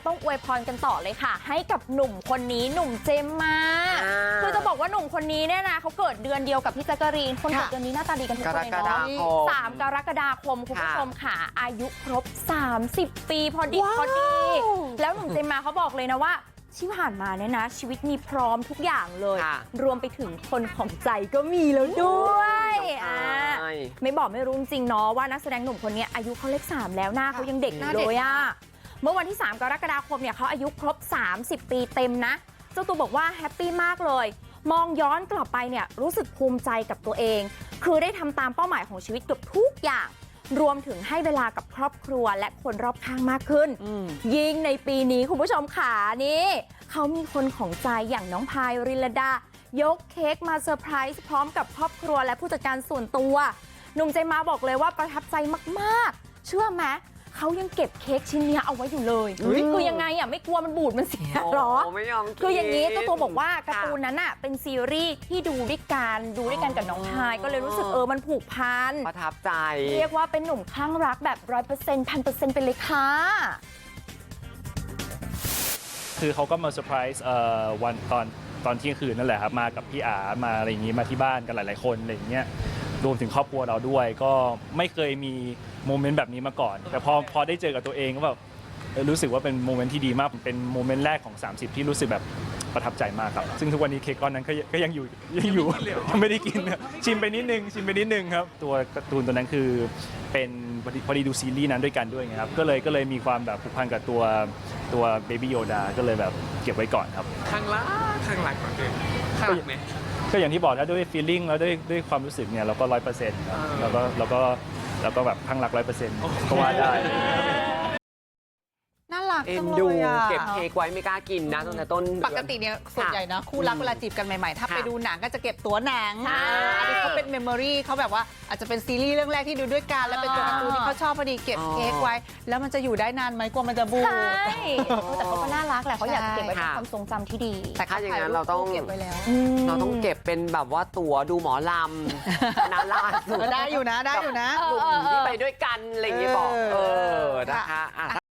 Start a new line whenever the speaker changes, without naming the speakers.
ต้องอวยพรกันต่อเลยค่ะให้กับหนุ่มคนนี้หนุ่มเจมมาคือจะบอกว่าหนุ่มคนนี้เนี่ยนะเขาเกิดเดือนเดียวกับพี่แจ๊กกะรีนคนเกิดเดือนนี้หน้าตาดีกันทุกคนเลยเนาะ3 กรกฎาคมคุณผู้ชมค่ะอายุครบ30 ปีพอดีแล้วหนุ่มเจมมาเขาบอกเลยนะว่าที่ผ่านมาเนี่ยนะชีวิตมีพร้อมทุกอย่างเลยรวมไปถึงคนของใจก็มีแล้วด้วยไม่บอกไม่รู้จริงๆเนาะว่านักแสดงหนุ่มคนนี้อายุเขาเลข3แล้วหน้าเขายังเด็กอยู่เลยอะเมื่อวันที่3 กรกฎาคมเนี่ยเขาอายุครบ30 ปีเต็มนะเจ้าตัวบอกว่าแฮปปี้มากเลยมองย้อนกลับไปเนี่ยรู้สึกภูมิใจกับตัวเองคือได้ทำตามเป้าหมายของชีวิตเกือบทุกอย่างรวมถึงให้เวลากับครอบครัวและคนรอบข้างมากขึ้นยิ่งในปีนี้คุณผู้ชมขานี่เขามีคนของใจอย่างน้องพายริลดายกเค้กมาเซอร์ไพรส์พร้อมกับครอบครัวและผู้จัดการส่วนตัวหนุ่มเจมมาบอกเลยว่าประทับใจมากๆเชื่อไหมเขายังเก็บเค้กชิ้นนี้เอาไว้อยู่เลยคือยังไงอ่ะไม่กลัวมันบูดมันเสียหรอคืออย่างนี้เจ้าตัวบอกว่าการ์ตูนนั้นอ่ะเป็นซีรีส์ที่ดูด้วยกันกับน้องพายก็เลยรู้สึกมันผูกพัน
ประทับใจ
เรียกว่าเป็นหนุ่มคลั่งรักแบบ100% 1,000%ไปเลยค่ะ
คือเขาก็มาเซอร์ไพรส์วันตอนเที่ยงคืนนั่นแหละครับมากับพี่อามาอะไรอย่างงี้มาที่บ้านกันหลายๆคนอะไรอย่างเงี้ยรวมถึงครอบครัวเราด้วยก็ไม่เคยมีโมเมนต์แบบนี้มาก่อนแต่พอได้เจอกับตัวเองก็แบบรู้สึกว่าเป็นโมเมนต์ที่ดีมากเป็นโมเมนต์แรกของ30ที่รู้สึกแบบประทับใจมากครับซึ่งทุกวันนี้เค้กก้อนนั้นก็ยังอยู่ยังไม่ได้กินชิมไปนิดนึงครับตัวการ์ตูนตัวนั้นคือเป็นพอดีดูซีรีส์นั้นด้วยกันด้วยไงครับก็เลยมีความแบบผูกพันกับตัวเบบี้โยดาก็เลยแบบเก็บไว้ก่อนครับ
ข้างหลักก่อนเลยข้างหลักไหม
ก็อย่างที่บอกถ้าด้วย feeling แล้วด้วยความรู้สึกเนี่ยเราก็100%ครับแล้วก็แบบข้างหลัก100%ก็ว่าได้
น่ารักจัง
ดู
เลยอ่ะ
เก็บเค้กไว้ไม่กล้ากินนะตั้งแต่ต้น
ปกติเนี่ยส่วนใหญ่นะคู่รักเวลาจีบกันใหม่ๆถ้าไปดูหนังก็จะเก็บตั๋วหนังอันนี้เขาเป็นเมมโมรี่เขาแบบว่าอาจจะเป็นซีรีส์เรื่องแรกที่ดูด้วยกันแล้วเป็นตัวการ์ตูนที่เขาชอบพอดีเก็บเค้กไว้แล้วมันจะอยู่ได้นานไหมกลัวมันจะบูด
ใช่แต่เขาก็น่ารักแหละเขาอยากเก็บไว้เป็นความทรงจำที่ดี
แต่ถ้าอย่างนั้นเราต้อง
เก็บไว้แล้ว
เราต้องเก็บเป็นแบบว่าตั๋วดูหมอลำนาราสุด
ได้อยู่นะ
กลุ่มที่ไปด้วยกันอะไรอย่างเงี้ยบอกนะคะ